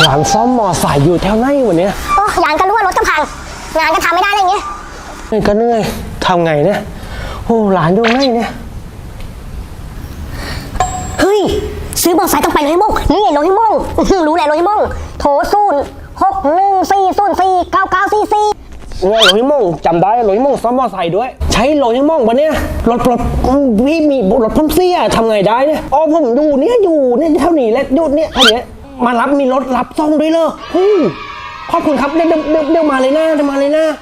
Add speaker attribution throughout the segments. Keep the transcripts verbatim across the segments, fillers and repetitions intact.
Speaker 1: ร้านซ่อมมอไซค์อยู่แถวไหนวันนี้
Speaker 2: โอ้ยานก็รู้ว่ารถจะพังงานก็ทำไม่ได้อะไรอย่างเงี้ย
Speaker 1: ก็เหนื่อยทำไงเนี่ยโอ้หลานอยู่ไหนเนี่ย
Speaker 2: เฮ้ยซื้อมอเตอร์ไซค์ต้องไปโรฮิโมงนี่โรฮิโมงรู้แหละโรฮิโมงโถศูนย์หกหนึ่งสี่ศูนย์สี่เก้าเก้าสี่สี่
Speaker 1: เนี่ยโรฮิโมงจำได้โรฮิโมงซ่อมมอไซค์ด้วยใช้โรฮิโมงปะเนี่ยรถรถพี่มีรถพ่นเสียทำไงได้เนี่ยอ๋อผมดูเนี่ยอยู่เนี่ยเท่านี้แหละหยุดเนี่ยเท่านี้มารับมีรถรับซ่อมด้วยเลยฮู้ขอบคุณครับเดี๋ยวเดี๋ยวเดี๋ยวมาเลยนะเดี๋ยวมาเลยนะ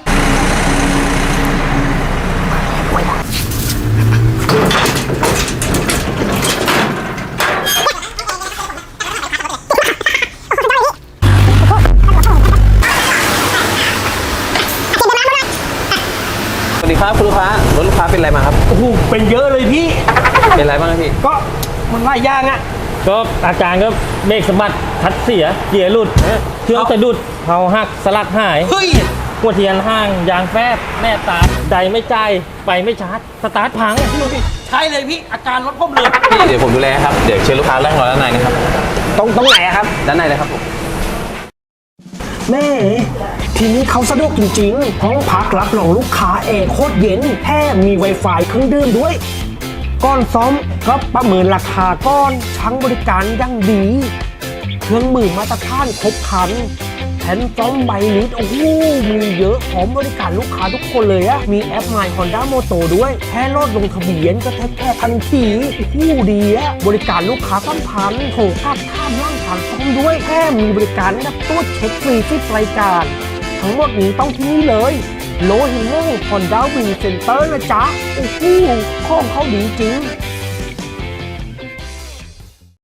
Speaker 3: สวัสดีครับคุณลูกค้ารถลูกค้าเป็นอะไรมาครับ
Speaker 1: โอ้โหเป็นเยอะเลยพี่
Speaker 3: เป็นอะไรบ้างครับพี่
Speaker 1: ก็มันหลายอย่างอ่ะ
Speaker 4: ก็อาการก็เบรกสะบัดทัดเสียเกียร์หลุดเครื่องสะดุดเผาหักสลักหาย
Speaker 1: เฮ้ย
Speaker 4: หัวเทียนห้างยางแฟบแม่ตาใจไม่ใจไปไม่ชาร์จสตาร์ทพังพี่ดูดิ
Speaker 1: ใช่เลยพี่อาการรถผมเลย
Speaker 3: พี่เดี๋ยวผมดูแลครับเดี๋ยวเชิญลูกค้านั่งรอด้านในนะครับ
Speaker 1: ตรงตรงไหนครับ
Speaker 3: ด้านในเลยครับผม
Speaker 1: แม่ทีนี้เขาสะดวกจริงๆห้องพักรับรองลูกค้าแอร์โคตรเย็นแถมมี Wi-Fi เครื่องดื่มด้วยก้อนซ้อมก็ประเมินราคาก้อนทั้งบริการยั่งดีเครื่องมือมาตรฐานครบครันแผ่นซ้อมใบลิตรโอ้โหมีเยอะพร้อมบริการลูกค้าทุกคนเลยอะมีแอป My Honda Moto ด้วยแค่โหลดลงทะเบียนก็แทบแค่ทันทีโอ้โหดีอะบริการลูกค้าสัมพันธ์โถกับข้ามร่างผ่านซ้อมด้วยแค่มีบริการรับตรวจเช็คฟรีที่รายการทั้งหมดนี้ต้องที่นี่เลยโลฮิโม่ Honda Wing Center นะจ๊ะโอ้โหข้อมเขาดีจริง